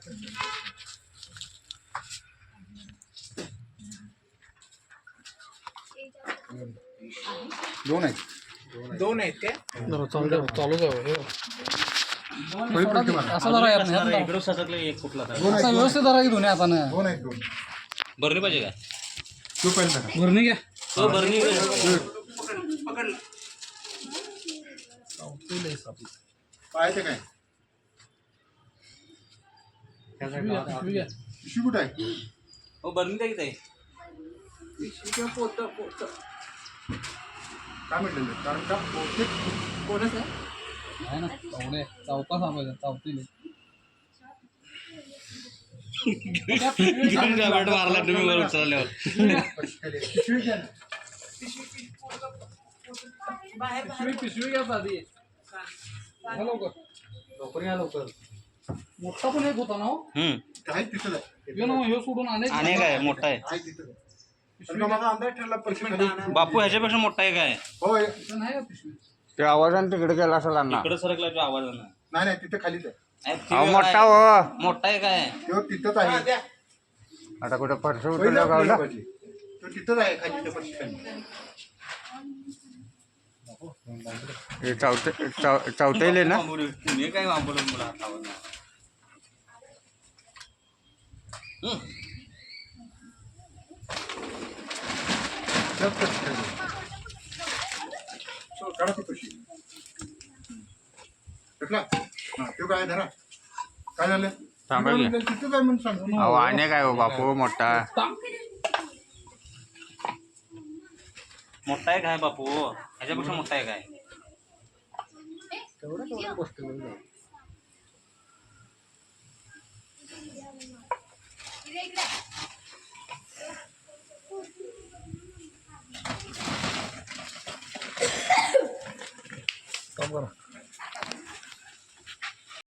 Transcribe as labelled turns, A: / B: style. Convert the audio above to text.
A: दोन आहेत.
B: दोन आहेत काय?
C: चालू असं जरा
D: इकडं सटकलं एक कुठला
C: असं व्यवस्थित जरा दोन्ही हातानं
A: दोन आहेत. दोन
D: भरणी पाहिजे काय
A: तो पहिला
C: भरणी घ्या.
D: हो भरणी
A: पाहायचं काय पिशवी कुठं आहे?
D: हो भरणी द्या किती
A: काय म्हटलं कारण का बहुतेक
B: कोणच आहे?
C: आहे ना चौडे चौका सांगायचं चौथीले
D: मारला तुम्ही वर उचलल्यावर
A: पिशवी घ्या ना.
C: पिशवी घ्या आधी लवकर मोठा पण एक होता ना हो
A: काय तिथं आहे
C: ह्यो ना ह्यो सोडून
D: आणि काय मोठा आहे
A: आहे तिथं. पण का माझा अंदाज ठरला पैसे खाली.
D: बापू ह्याच्यापेक्षा मोठा आहे काय
A: होय
C: नाही का पिशवी
E: ते आवाजाने तिकडे गेला असेल अण्णा.
D: इकडे सरकला तो आवाज
A: नाही नाही तिथं खालीच आहे.
E: मोठा हो.
D: मोठा आहे काय
A: तो तिथंच आहे.
E: आता कुठं फरशी
A: पहिला
E: उतरलं गावला.
A: पाहिजे. तो तिथंच आहे खाली त्या पैसे खाली.
E: हे चौथीले ना.
D: मी काय वापरलं मला आता आवाज
A: त्याच पैसे खाली. सो, काढा ती पैसे. भेटला? हा, तो काय धरा. काय झालं?
E: थांबा की.
A: तिथं काय म्हणून सांगू.
E: अहो आणि काय हो बापू मोठा.
D: मोठा आहे काय बापू ह्याच्यापेक्षा मोठा आहे काय
C: बरं